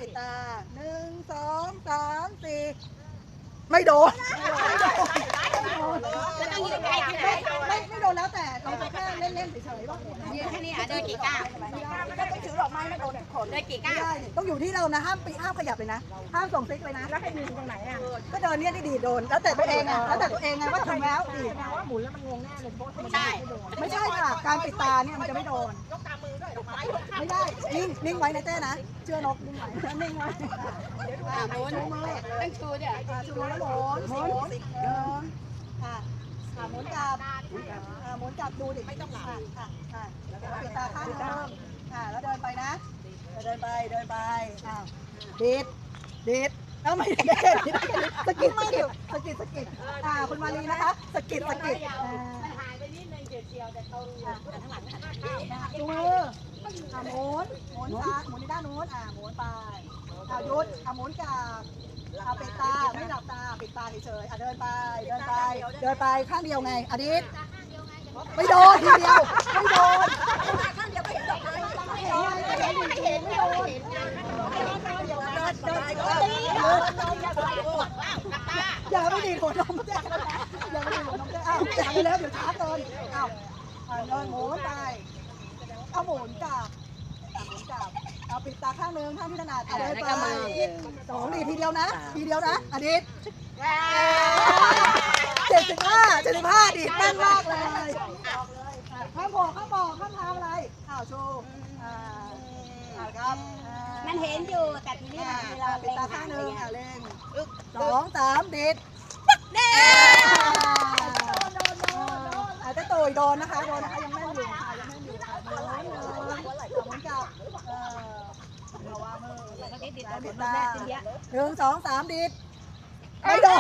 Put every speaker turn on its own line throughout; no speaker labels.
ปิดตา1 2 3 4ไม่โดนไม่โดนแล้วแต่เราจะแค่เล่นๆเฉยๆว่า
ยืนแค่นี้เดินกี่ก้าว
ไม่ได้ถือดอกไม้ไม่โดนคน
เดินกี่ก้าว
ต้องอยู่ที่เรานะห้ามขยับเลยนะห้ามส่งซิกเลยนะแล้วให้ยืนตรงไหนอ่ะก็เดินเนี่ยที่ดีโดนแล้วแต่ตัวเองอ่ะแล้วแต่ตัวเองไงว่าถึงแล้วดีว่าหมุนแล้วมันงงแน่เลย
ใช่
ไม่ใช่ค่ะการปิดตาเนี่ยมันจะไม่โดนยกตามือด้วยดอกไม้ไม่ได้นิ่งไว้นะเต้นะเชื่อนกนิ่งไว้นิ่งไว้
หมุนต้องชูเดี๋ยว
ชูมือแล้วหมุนหมุนกลับหมุนกลับดูดิไม่ต้องหลับปิดตาข้างนึงแล้วเดินไปนะเดินไปดิดแล้วไม่ได้สกิดคุณมาลีนะคะสกิด
มันหายไปนิดนึงเฉียวแต่ตรงข้างหลัง
ชูมือหมุนซ้ายหมุนในด้านนู้นหมุนไปหยุดหมุนกลับปิดตาไม่หลับตาปิดตาเฉยๆเดินไปข้างเดียวไงอดิษไม่โดนทีเดียวไม่โดนข้างเดียวไม่โดนอย่าไม่ดีหัวนมเจ๊อย่าไม่ดีหัวนมเจ๊จับไปแล้วเดี๋ยวช้าเกินเดินหมุนไปหมุนกลับปิดตาข้างนึงข้างที่ถนัดเดินไป2 ดีทีเดียวนะอดิษ75ดีแน่นมากเลยข้ามบอกข้ามทำอะไรโชว์ครับ
มันเห็นอยู่แต่ทีนี้เวลา
ปิดตาข้างนึงเล่ง2 3ดิดจะโตยโดนนะคะยังแม่นอยู่หมุนกับเราว่ามือปิดตา1 2 3ดิดไม่โดน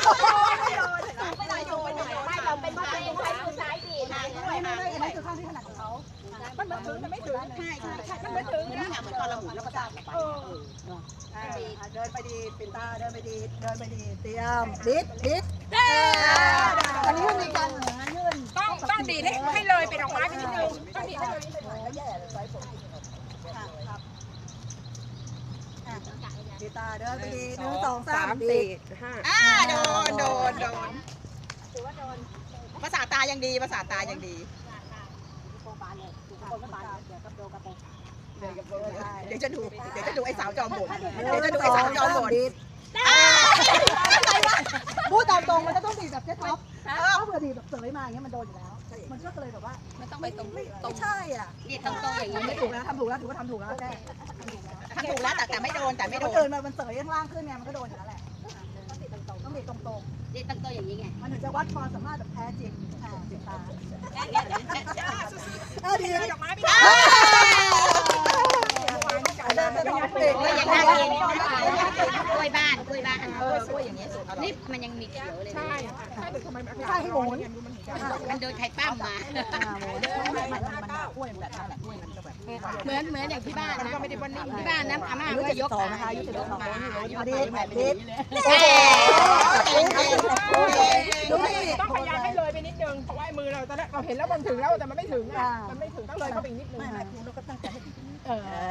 ไม่เราเป็นว่าเป็นใช้มือซ้ายดีนะ
ไม่อันนี้คือข้างที่ถนัดของเขามันถึงไม่ถึงใช่มันไม่ถึงนะเหมือนตอนเราหมุนแล้วประสาทเดินไปดีปิดตาเดินไปดีเตรียมดิดอันนี้มันมีการยื่น
ต้องดีดให้เลยเป็นดอกไม้ไปนิดนึงต้องดีดให้เลย
ปิดตาเดินไปดี1 2 3 4
5โดนภาษาตายังดีเดี๋ยวจะดูไอ้สาวจอมบ่น
พูดตามตรงมันจะต้องดีแบบเจ๊ท็อปถ้าเผื่อดีแบบเสยมาอย่างเงี้ยมันโดนอยู่แล้วมันก็เลยแบบว่า
มันต้องไปตรง
ไม่ใช่อ่ะ
ดีตรงอย่างนี้
ไม่ถูกแล้วทำถูกแล้วถือว่าทำถูกแล้วแค่
แต่ไม่โดน
เดินมันเสยข้างล่างขึ้นเนี่ยมันก็โดนอยู่แล้วแหละต้องดีตรง
ดีตรงอย่างนี้ไง
มันถึงจะวัดความสามารถแบบแท้จริงปิดตาดี
ดอกไม้
ก็ยังน่ากินกล้วยบ้าน
อย่างเงี้ย
นี่มันยังมีเขียวเลย
ใช่
ให้หมุน
มันโดนไข่ปั้มมาเหมือนอย่างที่บ้านนะที่บ้านนะอาม่าก็ยก
นะคะยุติธรรมดี
ต้องพยายามให้เลยไปนิดนึงเพราะว่ามือเราตอนแรกเราเห็นแล้วมันถึงแล้วแต่มันไม่ถึงต้องเลยเข้าไปอีกนิดนึง